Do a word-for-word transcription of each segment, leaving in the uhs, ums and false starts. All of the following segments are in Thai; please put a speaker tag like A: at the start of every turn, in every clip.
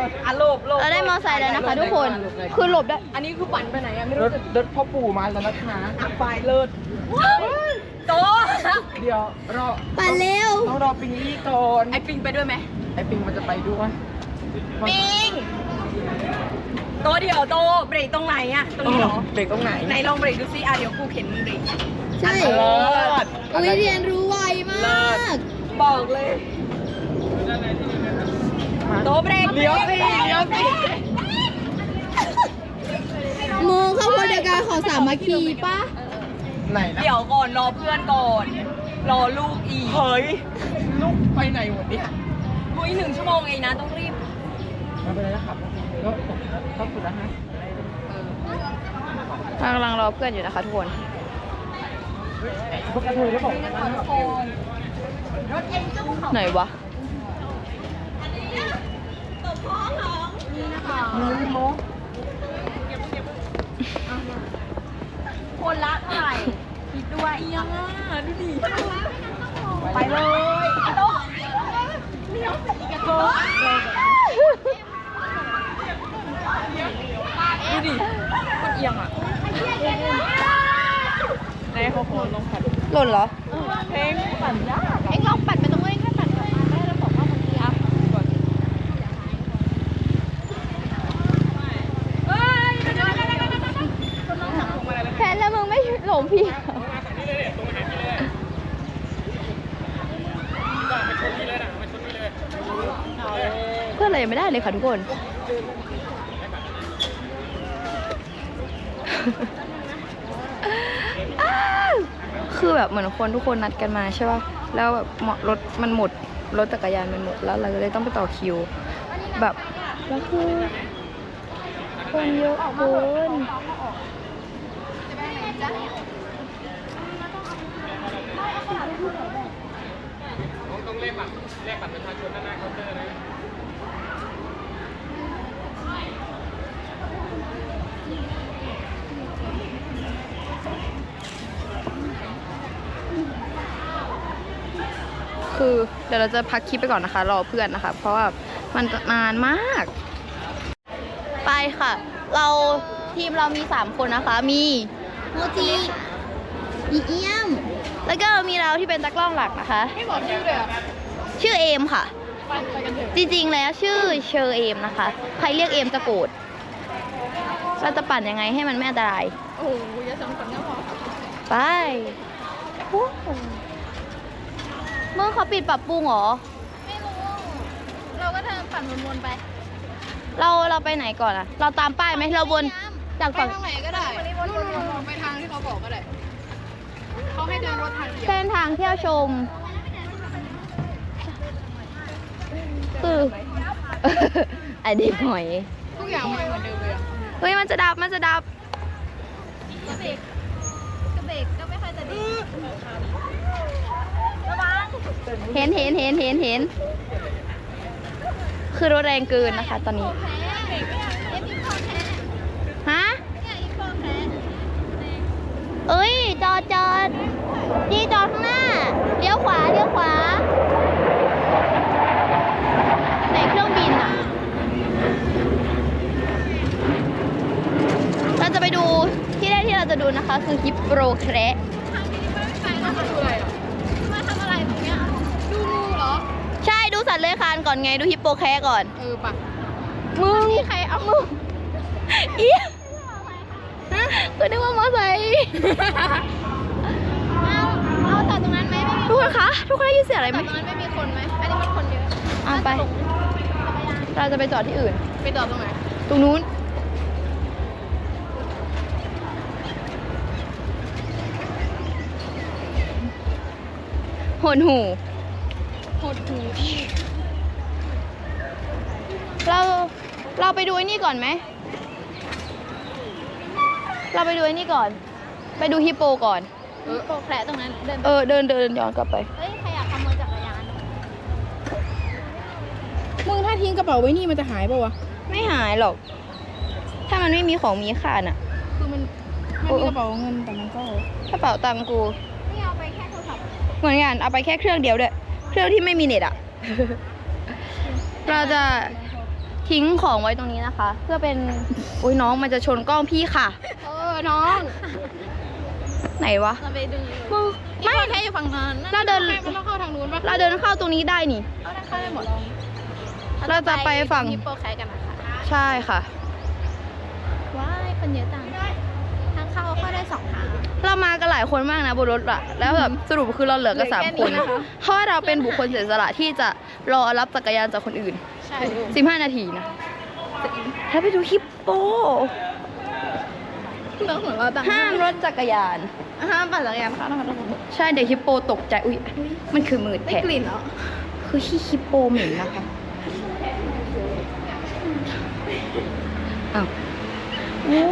A: อ่ะหลบหลบ
B: เราได้มอไซค์แล้วนะคะทุกคนคือหลบได้
A: อันนี้คือปั่นไปไหนอะไม่
C: ร
A: รู้
C: ถรถพ่อปู่มาแล้วนะคะ
A: อ่ะไปเลิศโต
C: เดี๋ยวรอ
B: ปั่นเร็ว
C: ต้องรอปิงลี่ก่อน
A: ไอปิงไปด้วยไหม
C: ไอปิงมันจะไปด้วย
A: ปิงโตเดี๋ยวโตเบรกตรงไหนอะตรงนี้เหรอ
C: เบรกตรงไหน
A: ไหนลองเบรกดูซิอ่ะเดี๋ยวกูเข็นมึงเบรก
B: ใช่
C: เลิศ
B: อุ้ยเรียนรู้ไวมาก
A: บอกเลยโตเบรก
C: เลี้ยวสิเลี้ยวสิ
B: มึงเข้าบริการของสามัคคีป่ะ
C: ไหนนะ
A: เดี๋ยวก่อนรอเพื่อนก่อน รอลูกอีก
C: เฮ้ยลูกไปไหนหมดเนี่ย
A: คุยหนึ่งชั่วโมงเองนะต้องรีบ
C: มาไปเลยนะครับก็ขอบคุณนะฮะ
B: กำลังรอเพื่อนอยู่นะคะทุกคน
C: พวกกระเทยได้บอก
B: ไหนวะ
C: มือโม
A: คนละเท่าไหร่คิดด้วยยังอ่ะดูดิไปเลยโตเลี้ยวสิกระโตดูดิคนเอียงอ่ะในเขาโคนลงผัด
B: หล่นเหรอ
A: เพลงปั่นยาก
B: เอ็งลองปัดไปตรงนู้นแค่ปัดกลับมาได้แล้วบอกว่าบางทีอ่ะแทนแล้วมึงไม่หลงพี่เพื่อนอะไรยังไม่ได้เลยค่ะทุกคน คือแบบเหมือนคนทุกคนนัดกันมาใช่ป่ะ แล้วแบบรถมันหมด รถจักรยานมันหมด แล้วเราเลยต้องไปต่อคิว แบบแล้วคือคนเยอะเกิน
C: ต้องเลขบัตรเลขบัตรประชาชนด้านหน้าเคาน์เตอร์นะ
B: คือเดี๋ยวเราจะพักคลิปไปก่อนนะคะ รอเพื่อนนะคะ เพราะว่ามันนานมาก ไปค่ะ เราทีมเรามีสามคนนะคะ มีโมจิมีเอี้ยม แล้วก็มีเราที่เป็นตากล้องหลักนะคะ
A: ไม่บอกชื่อเลยอ่ะ
B: ชื่อเอมค่ะ
A: ไปไปกันเถอะ
B: จริงๆแล้วชื่อเชอร์เอมนะคะ ใครเรียกเอมจะโกรธเราจะปั่นยังไงให้มันไม่อันตราย
A: โอ้โหอย่าสองคนก็พอ
B: ไปเมื่อเขาปิดปรับปรุงเหรอ
A: ไม่รู้เราก็เดินปั่นวนๆไป
B: เราเราไปไหนก่อนอะเราตามป้ายไหมเราวนจาก
A: ไป
B: ฝั่ง
A: ทางไหนก็ได้นู่นๆไปทางที่เขาบอกก็ได้เขาให้เดินรถทางเดียว
B: เส้นทางเที่ยวชม คือ ไอเด็กหอย
A: ทุกอย่างมันเหมือนเดิมเลยอ่ะ
B: เฮ้ยมันจะดับมันจะดับ
A: กระเบกกระเบกก็ไม่ค่อยจะดีระวัง
B: เห็นเห็นเห็นเห็นเห็น คือรถแรงเกินนะคะตอนนี้
A: แพ้เอฟอีโฟแพ้
B: ฮะ
A: เนี่ยอีโฟแพ้
B: เอ้ย จอดจอดดีจอดข้างหน้า เลี้ยวขวา เลี้ยวขวา ไหนเครื่องบินอ่ะ เราจะไปดูที่แรกที่เราจะดูนะคะ คือฮิปโปแคระ
A: ทางนี้ไม่ไปเรามาดูอะไรอ่ะมาทำอะไรตรงเนี้ยดูงูเหรอ
B: ใช่ดูสัตว์เลื้อยคลานก่อนไง ดูฮิปโปแคระก่อน
A: เออปะ
B: มึง
A: ใครเอามือ
B: เอี้ยก็นึกว่ามอไซค์
A: เอาเอาจอดตรงนั้นไหมไม่มี
B: ทุกคนคะ ทุกคนได้ยินเสียงอะไร
A: จ
B: ไหม
A: อดตรงนั้นไม่มีคนไหมอันนี้มันคนเยอะ
B: เอาไป เราจะไปจอดที่อื่น
A: ไปจอดตรงไหน
B: ตรงนู้น หดหู
A: หดหู
B: เรา เราไปดูไอ้นี่ก่อนไหม เราไปดูไอ้นี่ก่อน ไปดูฮิปโปก่อน
A: เออโปรแคร์ตรงนั้นเดิน
B: เออ เดินเดินย้อนกลับไป
A: เฮ้ยใครอยากขโมยจักรยาน
D: มึงถ้าทิ้งกระเป๋าไว้นี่มันจะหายป่าวะ
B: ไม่หายหรอก ถ้ามันไม่มีของมีค่าน่ะ
D: คือมันมันมีกระเป๋าเงินแต่มันก็
B: กระเป๋าตังค์กู
A: นี่เอาไปแค่โทรศัพท์
B: เหมือนกันเอาไปแค่เครื่องเดียวด้วย เครื่องที่ไม่มีเน็ตอ่ะ เราจะทิ้งของไว้ตรงนี้นะคะ เพื่อเป็นอุ้ยน้องมันจะชนกล้องพี่ค่ะ
D: เออ น้อง
B: ไหนวะ
D: เราไปดู
B: ไม่
D: แค่อยู่ฝั่งนั้น
B: เราเดิน
D: มันต้องเข้าทางนู้นปะ
B: เราเดินเข้าตรงนี้ได้นี่
D: เอาได้เข้าได้หมด
B: เราจะไปฝั่ง
D: ฮิปโปแคทกันนะคะ
B: ใช่ค่ะ
D: ว้ายคนเยอะจังทางเข้าเข้าได้สองทาง
B: เรามากันหลายคนมากนะบนรถอะแล้วแบบสรุปคือเราเหลือกันสาม
D: เหลือแค่
B: คน
D: นี้นะคะ
B: เพราะว่าเราเป็นบุคคลเสียสละที่จะรอรับจักรยานจากคนอื่น
D: ใช่
B: สิบห้านาทีนะแล้วไปดูฮิปโป
D: เราเหมือนว่าต่าง
B: ห้ามรถจักรยาน
D: ห้ามปั่นจักรยานค่ะนะคะทุกคน
B: ใช่เด็กฮิปโปตกใจ อุ๊ย มันคือมืด
D: ได้
B: แผะ
D: กลิ่นเหรอ
B: คือขี้ฮิปโปเหม็นนะคะอ้าวโอ้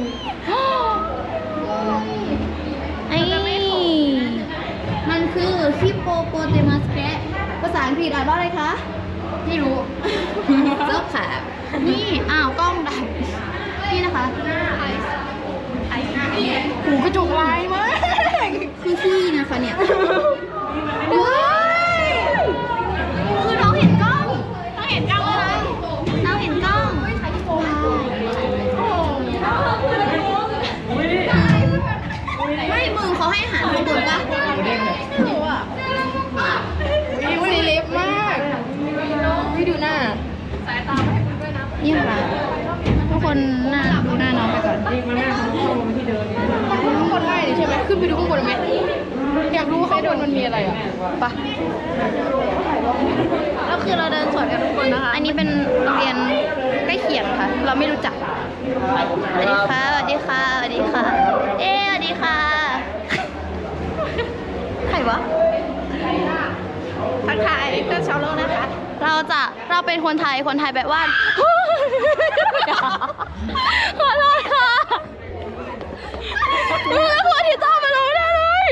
B: ไอ้มันคือฮิปโปโปเตมัสแคะภาษาอังกฤษอ่านว่าอะไรคะ ไม่รู้ เจ้าขานี่ อ้าว กล้องดับ นี่นะคะ
D: หูกระจกลายมาก
B: คือขี้นะคะเนี่ย ว้ายคือน้องเห็นกล้อง
D: ต้องเห็นกล้องเลย
B: น้องเห็นกล้อง ไม่มึงเขาให้อาหารข้างบนปะ
D: สีเล็บมากไม่ดูหน้า
B: นี่ค่ะทุกคนหน้าดูหน้าน้องไปก่อน
D: ข้างบนได้เลยใช่ไหมขึ้นไปดูข้างบนไหมอยากรู้ว่าข้างบนมันมีอะไรอ่ะ
B: ปะ
D: แล้วคือเราเดินสวนกันทุกคนนะคะ
B: อันนี้เป็นโรงเรียนใกล้เคียงค่ะ เราไม่รู้จัก สวัสดีค่ะ สวัสดีค่ะ สวัสดีค่ะ เอ๊ะสวัสดีค่ะ ใครวะ
D: ทักทายเพื่อนชาวโลกนะคะ
B: เราจะ เราเป็นคนไทย คนไทยแบบว่า ขอโทษค่ะมึงแล้วคนที่ตามมาเราไม่ได้เลย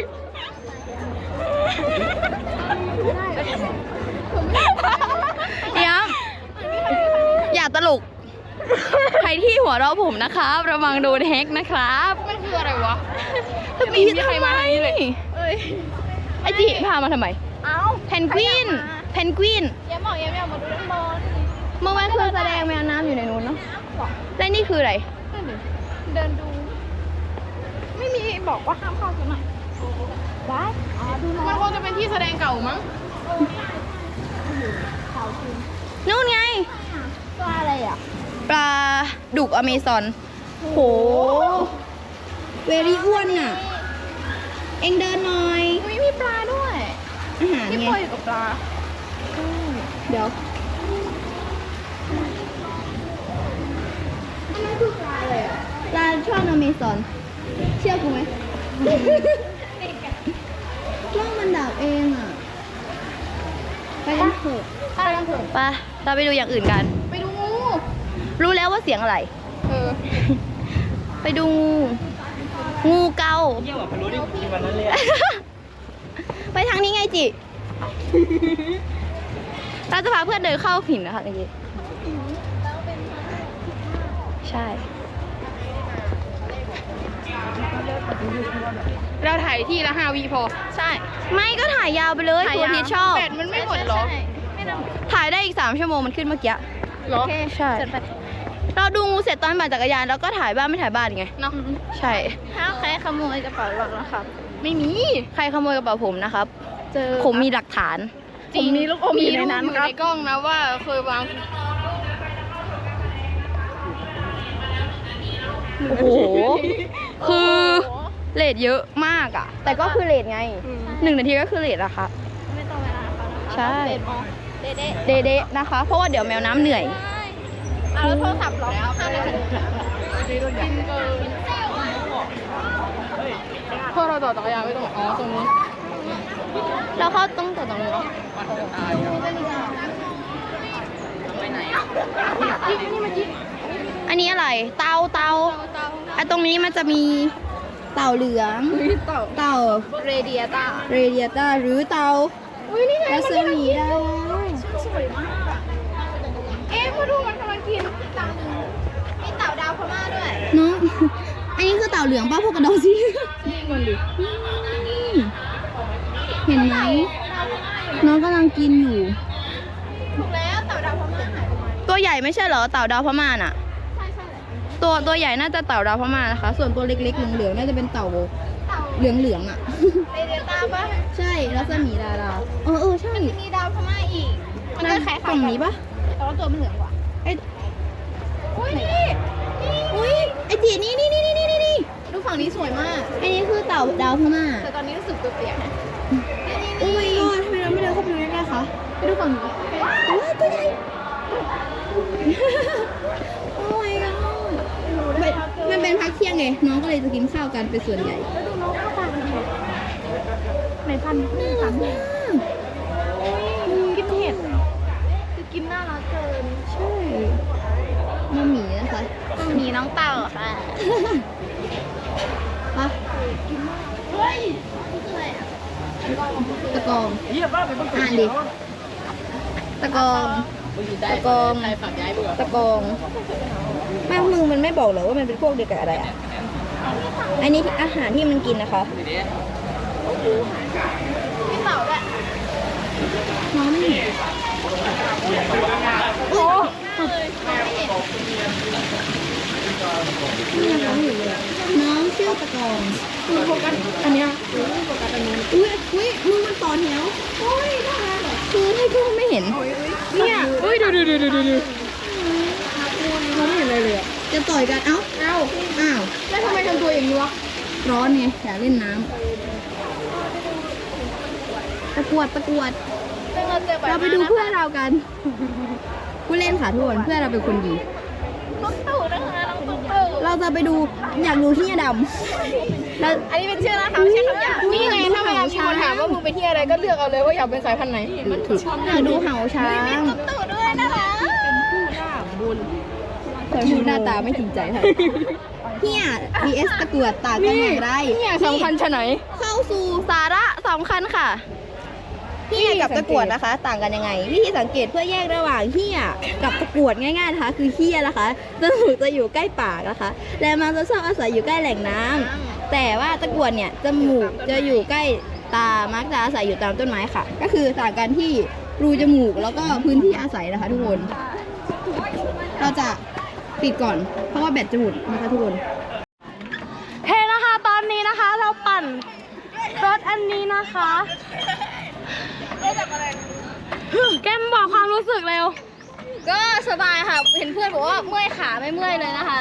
B: ย้ำอย่าตลก ใครที่หัวเราะผมนะครับ ระวังโดนแฮกนะครับ
D: มันคืออะไรวะ
B: ไม่
D: มีใครมาทางนี้เลย เอ้ย
B: ไอจิพามาทำไม
D: เอ้า
B: เพนกวิน เพนกวิน
D: เย้บอกเย้ไม่เอามาดูด้านบน
B: เมื่อวานคือแสดงแมวน้ำอยู่ในนู้นเนาะและนี่คืออะไร
D: นั่นดิเดินดู ไม่มีบอกว่าห้ามเข้าตรงไหนว้ายอ๋อดูมันคงจะเป็นที่แสดงเก่ามั้ง
B: นู่นไง
D: ตัวอะไรอ่ะ
B: ปลาดุกอเมซอน โห เวรี่อ้วนน่ะ เอ็งเดินหน่อย
D: อุ้ยมีปลาด้วย
B: อาหาร
D: ที่
B: ไง
D: ปล่อยอยู่กับปลา
B: เดี๋ยว ปลาช่อนอเมซอน เชื่อกูไหม ช่องมันดับเองอ่ะ ไปกันเถอะ
D: อะไรกันเถอะ
B: ไปเราไปดูอย่างอื่นกัน
D: ไปดูงู
B: รู้แล้วว่าเสียงอะไร
D: เออ
B: ไปดูงู งูเกา
C: เยี่ยมกว่าพะโล้ที่กินวันนั้นเลย
B: ไปทางนี้ไงจิ เราจะพาเพื่อนเดินเข้าหินนะคะเมื่อกี้ใช่
D: เราถ่ายที่ละห้าวิพอ ใช่
B: ไม่ก็ถ่ายยาวไปเลยตัวที่ชอบ
D: แบตมันไม่หมดเหรอ
B: ไม่ต้องถ่ายได้อีกสามชั่วโมงมันขึ้นเมื่อกี้
D: เหรอ
B: ใช่ เราดูงูเสร็จตอนปั่นจักรยานแล้วก็ถ่ายบ้านไม่ถ่ายบ้านไง
D: เนาะ
B: ใช่
D: ถ้าใครขโมยกระเป๋าเรานะครับ ไม่มี
B: ใครขโมยกระเป๋าผมนะครับ
D: เจอ
B: ผมมีหลักฐาน
D: ผมมีลูกอมอยู่ในนั้นครับมีในกล้องนะว่าเคยวาง
B: โอ้โห คือเลทเยอะมากอ่ะ แต่ก็คือเลทไง หนึ่งนาทีก็คือเลทอะค่ะ
D: ไม่ต้องเวลาเขานะคะ
B: ใช่
D: เด็ดมองเด็ดเด็ด
B: เดๆนะคะ เพราะว่าเดี๋ยวแมวน้ำเหนื่อย
D: เอาแล้วโทรศัพท์เหรอห้านาทีกินเกินพวกเราต่อจักรยานไม่ตรงอ๋อตรงนี้
B: เราเข้าต้องต่อตรงนี้เนาะ
D: จิ๊กนี่มาจิ๊ก
B: อันนี้อะไร เตาเตาไอ้ตรงนี้มันจะมีเต่าเหลือง
D: เต่า
B: เต่า
D: เรเดียต้า
B: เรเดียต้าหรือเต่า
D: อุ้ยนี่ไง
B: รัสมีได้
D: สวยมากอะเอ๊ะมาดูมันกำลังกินเต่าหนึ่งมีเต่าดาวพม่าด้วย
B: น้อง อันนี้คือเต่าเหลืองป้าพวกกระดองสิ
D: มันดิ
B: เห็นไหม น้องกำลังกินอยู่
D: ถูกแล้วเต่าดาวพม่าหายไปไหน
B: ตัวใหญ่ไม่ใช่เหรอเต่าดาวพม่าน่ะ
D: ใช่ใช่เลย
B: ตัวตัวใหญ่น่าจะเต่าดาวพม่านะคะ ส่วนตัวเล็กๆเหลืองๆน่าจะเป็นเต่าเหลืองๆอ่ะ
D: เอเดต้าปะ
B: ใช่รัศมีดาราเออเออใช่
D: มีดาวพม่าอีก มันก็คล้ายๆ
B: ฝั่งนี้ปะ
D: แต่ว่าตัวมันเหลืองกว่า
B: ไอ้
D: อุ้ยนี่
B: อุ้ยไอ้จีนี่นี่นี่นี่นี่นี่
D: ดูฝั่งนี้สวยมาก
B: ไอ้นี่คือเต่าดาวพม่า
D: แต่ตอนนี้รู้สึกเปียกๆนะ
B: โอ้ my god ทำไมเราไม่เดินเข้าไปดูใกล้ๆคะ
D: ไปดูฝั่งนี้
B: ว้าวตัวใหญ่ โอ้ my god มันมันเป็นพักเที่ยงไง น้องก็เลยจะกินข้าวกันเป็นส่วนใหญ่
D: แล้วดูน้องข้าวตามันดีไหนพันธุ์
B: น่ารักมาก
D: กินเห็ดคือกินน่ารักเกิน
B: ใช่มาหมีนะคะ
D: มีน้องเต่าค่ะ
B: ปะ
D: เฮ้ยนี่คืออะไรอ่ะ
B: ตะกอง
C: เยี่ยมมากเลยต้อง
B: อ่านดิ ตะกอง ตะกอง
C: ใครฝากย้ายมึง
B: ตะกองแม่มึงมันไม่บอกเหรอว่ามันเป็นพวกเดียวกับอะไรอ่ะ อันนี้อาหารที่มันกินนะคะ
D: มีเต่าด้วย
B: น้องไม่เห็นโอ้นี่น้องอยู่เลยน้องชื่อตะกองคือโฟกัสอันเนี้ยโฟกัสอันนี้อุ้ยอุ้ยมึงมันต่อแถวโอ้ยน่ารักเหรอคือให้พวกไม่เห็นเนี่ยเฮ้ยดูดูดูดูดูดูเราไม่เห็นอะไรเลยอ่ะจะต่อยกันเอ้าเอ้าอ้าว
D: แล้วทำไมทำตัวอย่างนี้วะ
B: ร้อนไงอยากเล่นน้ำตะกรวดตะกรวด
D: เราเจอแบบ
B: เราไปดูเพื่อนเรากัน ผู้เล่นค่ะทุกคนเพื่อนเราเป็นคนดี
D: น้องเต่านะคะน้องเต่า
B: เราจะไปดูอยากดูที่ดำแล้ว
D: อันนี้เป็นชื่อนะคะไม่ใช่คำหยาบนี่ไงถ้าเวลามีคนถามว่ามึงไปที่อะไรก็เลือกเอาเลยว่าอยากเป็นสายพันธุ์ไหน
B: มันถูกอยากดูเห่าช้าง
D: ตุ๊ดตู่ด้วยนะคะ
B: เคยพูดหน้าตาไม่จริงใจค่ะเฮีย vs ตะกรวดต่างกันอย่างไร
D: เนี่ยสำคัญชะไหน
B: เข้าสู่สาระสำคัญค่ะเฮียกับตะกรวดนะคะ ต่างกันยังไง วิธีสังเกตเพื่อแยกระหว่างเฮียกับตะกรวดง่ายๆนะคะ คือเฮียนะคะจมูกจะอยู่ใกล้ปากนะคะ และมันจะชอบอาศัยอยู่ใกล้แหล่งน้ำแต่ว่าตะกรวดเนี่ยจมูกจะอยู่ใกล้ตามักจะอาศัยอยู่ตามต้นไม้ค่ะ ก็คือต่างกันที่รูจมูกแล้วก็พื้นที่อาศัยนะคะ ทุกคน เราจะปิดก่อนเพราะว่าแบตจะหมดนะคะทุกคน
A: เฮ้นะคะตอนนี้นะคะเราปั่นรถอันนี้นะคะแกมบอกความรู้สึกเร็ว
B: ก็สบายค่ะ เห็นเพื่อนบอกว่าเมื่อยขาไม่เมื่อยเลยนะคะ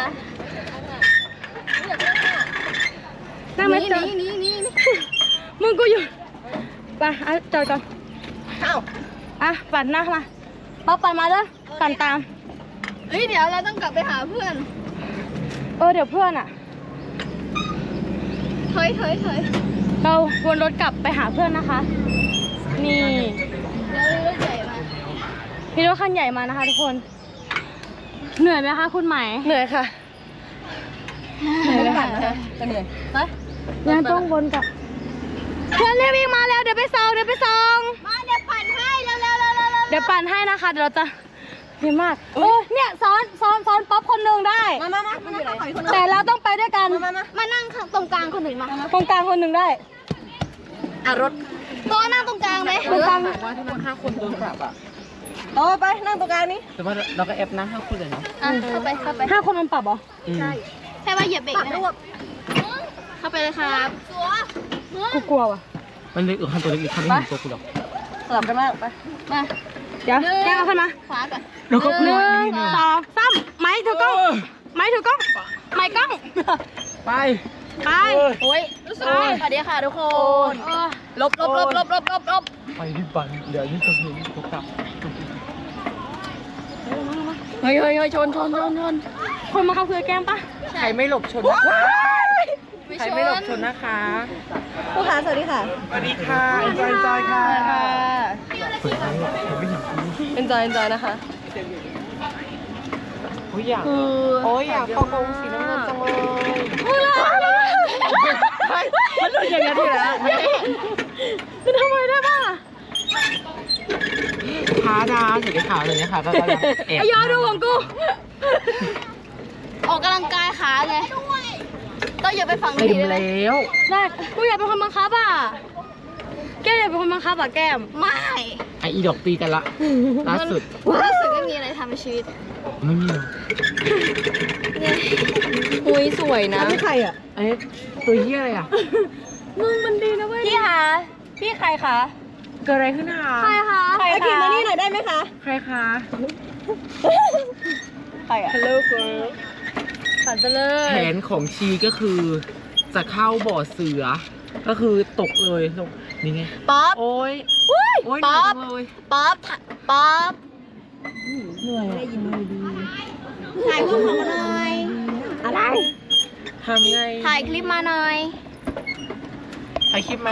A: นั่งไหมจอด
B: นี่นี่นี่
A: มึงกูอยู่ไปอ่ะจอดก่อน
B: เอ้า
A: อ่ะปั่นหน้ามาป๊อปปั่นมาเลยปั่นตาม
B: เฮ้ยเดี๋ยวเราต้องกลับไปหาเพื่อน
A: เออเดี๋ยวเพื่อนอ่ะ
B: เฮ้ยเฮ้ยเฮ้ย
A: เราวนรถกลับไปหาเพื่อนนะคะ นี่
B: เดี๋ยวรถใหญ่มา
A: มีรถคันใหญ่มานะคะทุกคน เหนื่อยไหมคะคุณไหมเหนื่อยค่ะเหนื่อยเลยค่ะ
B: จะเหนื่อยไป
A: ยังต้องวนกลับเพื่อนเรียกวิ่งมาแล้วเดี๋ยวไปส่งเดี๋ยวไปส่ง
B: มาเดี๋ยวปั่นให้เร็วเร็วเร็วเร็ว
A: เดี๋ยวปั่นให้นะคะเดี๋ยวเราจะดีมากโอ้ยเนี่ยซ้อนซ้อนซ้อนป๊อปคนหนึ่งได้
B: มามามามานั่งต่อยคนนึง
A: แต่เราต้องไปด้วยกัน
B: มามามานั่งตรงกลางคนหนึ่งมา
A: ตรงกลางคนหนึ่งได้
B: อ่ะรถโต๊ะนั่งตรงกลางไหม
A: ตรงกลาง
C: ว่าถ้านั่งห้าคนโดนปรับอ่ะ
B: โต๊ะไปนั่งตรงกลางนี้
C: แต่ว่าเราก็แอปนะห้าคนเลยเนาะ
B: อ่ะเข้าไปเข้าไป
A: ห้าคนมันปรับเหรอ
C: ใช่
B: แค่ว่าเหยียบเบรกนะเข้าไปเลยครับ
A: กูกลัวว่ะ
C: มันเล็กเออคันตัวเล็กๆเขาไม่เห็นตัวกูหรอก
B: สลับกันมากไปมา
A: เดี๋ยวแกเอาขึ้นมา
B: ขวาก่อน
C: แล้วก็
A: หนึ่งสองสามไม้ถือกล้องไม้ถือกล้องไม้กล้อง
C: ไป
A: ไป
B: โอ้ยสวัสดีค่ะทุกคน
A: เออ
B: ลบลบลบลบลบลบลบ
C: ไปที่ปั่นเดี๋ยวนี่จะเห็นกูกลับ
B: เฮ้ยเฮ้ยเฮ้ยชนชนชนชน
A: คนมาเข้าคือแก้มปะ
C: ใครไม่หลบชนนะคะใครไม่หลบชนนะคะ
B: ผู้ค้าสวัสดีค่ะ
C: สวัสดีค่ะจอยจอยค่ะ
B: เอ็นจอยเอ็นจอยนะคะ
C: โอ้ยอยาก
B: คือ
C: โอ้ยอยากเข้ากรงสีน้ำเงินจังเลย
A: มึงละ
C: มันหลุดอย่างนี้ทีละ
A: จะทำไมได้บ้าง
C: ท้าดาสีขาวเลยนะคะก็จะแอบ
A: ไอยอดูของกู
B: ออกกำลังกายขาไงต้องอย่าไปฝั่ง
C: เต็
B: นี้
C: ม
B: ได้ไหม
C: แล้ว
A: ได้กูอยากเป็นคนบังคับอ่ะ
B: แก้มอย่าเป็นคนบังคับอ่ะแก้มไม่
C: ไออีดอกตีกันละล่าสุด
B: รู้สึกไม่มีอะไรทำในชีวิต
C: ไม่มีหรอก
B: หุยสวยนะ
A: ไม่ใครอ่ะ
C: ไอ้ตัวเหี้ยอะไรอ่ะ
B: มึงมันดีนะเว้ยพี่คะพี่ใครคะ
C: เกิดอะไรขึ้นคะ
B: ใครคะใคร
A: ไอ
B: คะ
A: ขี่มานี่หน่อยได้ไหมคะ
C: ใครคะ
B: ใครอ่ะ
C: Hello girl
B: ฝันไปเลย
C: แผนของชีก็คือจะเข้าบ่อเสือ ก็คือตกเลยลงนี่ไง
B: ป๊อป
C: โอ้ย
B: อุ้ย
C: โอ้ย
B: ป๊อป
C: เหนื่อยจังเลย
B: ป๊อปป๊อป
C: เหนื่อยอะ
B: ถ่ายรูปของมาหน่อย
A: อะไร
C: ทำไง
B: ถ่ายคลิปมาหน่อย
C: ถ่ายคลิปมา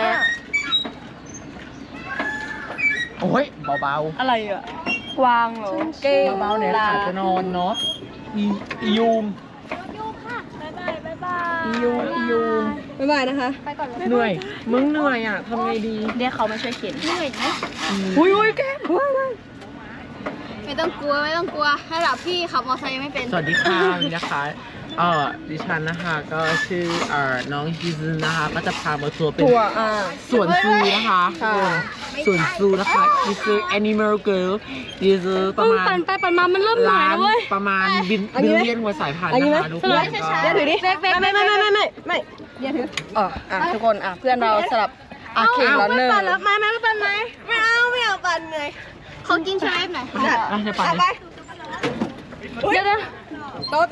C: โอ้ยเบา
B: อะไรอ่ะกวางเหรอเก้ง
C: ๆเบาๆเนี่ยอาจจะนอนเนาะอีอียูม
B: บ๊ายบาย
C: อียูมอียูม
A: บ๊ายบายนะคะ
B: ไปก่อนเลย
C: เหนื่อย มึงเหนื่อยอ่ะทำไงดี
B: เดี๋ยวเขามาช่วยเข็นเหนื่อยไหม
C: อุ้ยอุ้ยแก้ม
B: ไม่ต้องกลัวไม่ต้องกลัวระดับพี่ขับมอเตอร์ไซค์ไม่เป็น
C: สวัสดีค่ะวันนี้นะคะ เอ่อ ดิฉันนะคะ ก็ชื่อเอ่อน้องฮิซึนะคะ ก็จะพามาทัวร์เป็น
A: ถั่วอ่า
C: สวนซูนะคะ
A: ค่ะ
C: สวนซูนะคะนี่คือ Animal Girl นี่คือประมาณ
B: ปั่นไปปั่นมามันเริ่มเหนื่อย
C: ล้าน
B: แล้วเว้ย
C: ประมาณบิน
A: อัน
C: บิ
A: นี้
C: ล
A: ไหม
C: เลียนหัวสายพันธุ์
A: อันนี้ไหม
C: นะคะทุกคน
A: เดี๋ยวถือดิ
B: เบ๊กเบ๊ก
A: ไม่ไม่ไม่ไม่ไม่ไม่เดี๋ยวถืออ๋ออ่ะทุกคนอ่ะเพื่อนเราสลับอ่ะเข่งแล้วหนึ่ง
B: ปั่นแล้วมาแม่ปั่นไหม
A: ไม่เอาไม่เอาปั่นเลย
B: เขากินชาเอฟหน่อย
A: จัด
C: อ่ะเดี๋ยวปั่น
A: เอา
C: เล
A: ไป
C: ย
B: เดี๋ยวเดี๋ยว
A: โตโต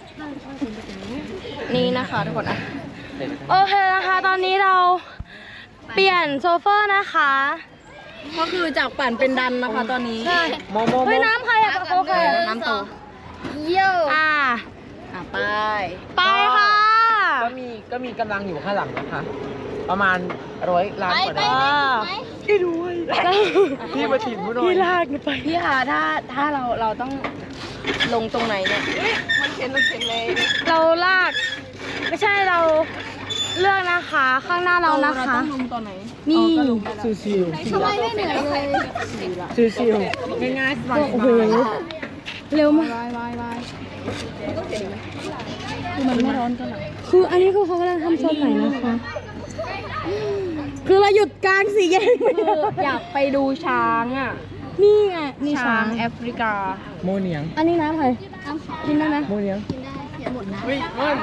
B: นี่นะคะทุกคนอ่ะโอเคนะคะตอนนี้เราเปลี่ยนโซเฟอร์นะคะ
A: ก็คือจากปั่นเป็นดันนะคะตอนนี้
B: ใช่
C: โมโมโม
B: เฮ้ยน้ำใครอะโอเค
A: น้ำโต
B: เยี่ยวอ่ะ
A: อ่ะไป
B: ไปค่ะ
C: ก็มีก็มีกำลังอยู่ข้างหลังนะคะ ประมาณร้อยล้านกว่า
B: ไป
C: ดอล
B: ไป
C: พี่ด้วยพี่มาถีบกูหน่อยพี่ลากไป
B: พี่คะถ้าถ้าเราเราต้องลงตรงไหนเนี่ย
A: มันเข็นมันเข็นเลย
B: เราลาก ไม่ใช่เราเลือกนะคะ ข้างหน้าเรานะคะ
A: ต้องลงตอนไหน
B: นี่
C: ชิวชิว
B: ทำไมไม่เหนื่อยเลย
C: ชิวชิวๆง่ายๆสบายๆ
B: โอ้โหเร็วมาก
A: วายวายวาย
B: คือมันไม่ร้อนกันหรอคืออันนี้คือเขากำลังทำโซนไหนนะคะ
A: คือเราหยุดกลางสี่แยกไป
B: คืออยากไปดูช้างอ่ะ นี่ไงนี่ช้างแอฟริกา
C: โมเนียง
B: อันนี้น้ำใครกินได้ไหม
C: โมเนียงเฮ้ยมัน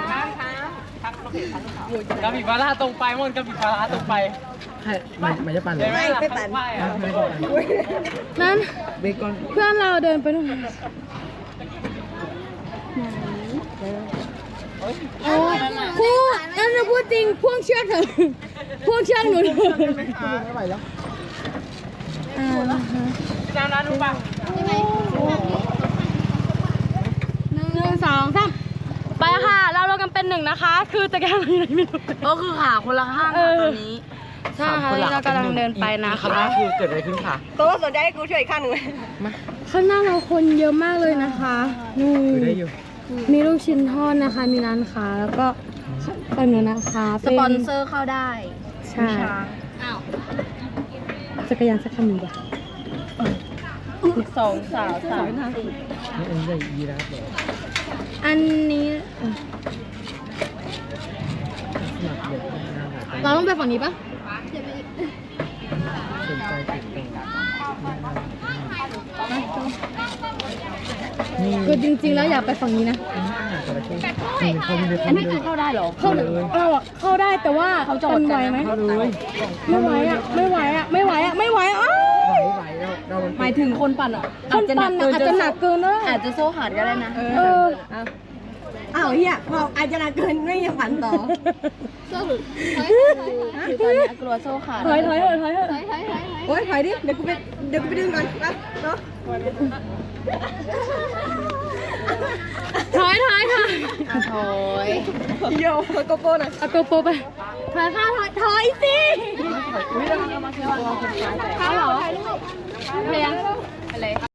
C: กระบี่ปลาร้าตรงไปมันกระบี่ปลาร้าตรงไปมันมันจะปั่นเลย
A: ไม่ไปปั่น
C: ไม่ปั่น
B: นั้น
C: เบคอน
B: เพื่อนเราเดินไปนู่นโอ้พูดนั่นจะพูดจริงพ่วงเชือกเถอะพ่วงเชือกหนูเถอะ
C: ไม่ไหวแล้ว
B: อ่านะคะ
C: น้ำน้ำรู้ป่ะ
B: หนึ่งสองสามไปค่ะ เราเรากันเป็นหนึ่งนะคะ คือจะแก้อะไรไม่รู้
A: ก็คือขาคนละข้าง
B: เออ
A: ตอนนี้
B: ใช่ค่ะเรากำลังเดินไปนะ
C: ครั้ง
B: คะ
C: แรกคือเกิดอะไรขึ้นค่ะ
A: ตัวสนใจให้กูช่วยอีกข้างหนึ่งไหม
C: มา
B: ข้างหน้าเราคนเยอะมากเลยนะคะนี่
C: คือได้อยู่
B: มีลูกชิ้นทอดนะคะ มีร้านค้าแล้วก็เป็นหนูนะคะ
A: สปอนเซอร์เข้าได้
B: ใช่จักรยานสักคันหนึ่งจ้ะ
A: สองสาวสาม
C: นี่อันนี้จะยีราฟเหรอ
B: อันนี้
C: หนักเด็กหน้าหนัก
B: เราต้องไปฝั่งนี้ปะ
C: สนใจติดต่อนี่
B: คือจริงๆแล้วอยากไปฝั่งนี้นะ
C: อาหารจระเข้นี่เขามี
A: อันนี้คือเข้าได้เหรอ
B: เข้าเราอะเข้าได้แต่ว่าเขาจอดไหวไหม
C: เขาเลย
B: ไม่ไหวอ่ะไม่ไหวอ่ะไม่ไหวอ่ะไม่ไหวอ่ะอ้าว
C: ไหวไหวเราเรามัน
A: หมายถึงคนปั่นอ่ะ
B: คนปั่นอะอาจจะหนักเกินนะ
A: อาจจะโซ่ขาดก็ได้นะ
B: เออ
A: อ้าวเฮียพออาจจะหนักเกินไม่ยังปั่นต่อ
B: คือตอนนี้กลัวโซ่ขาดถอยถอยเถอะถอยเถอะ
A: โอ๊ยถอยดิ เดี๋ยวกูไป เดี๋ยวกูไปดึงก่อนไปเนาะ
B: ถอยถอยค่ะ
A: ถอยโยโกโก้หน่อย
B: เอาโกโปรไปถอยค่ะถอยถอยสิข้าวเหรอเพลงอะไร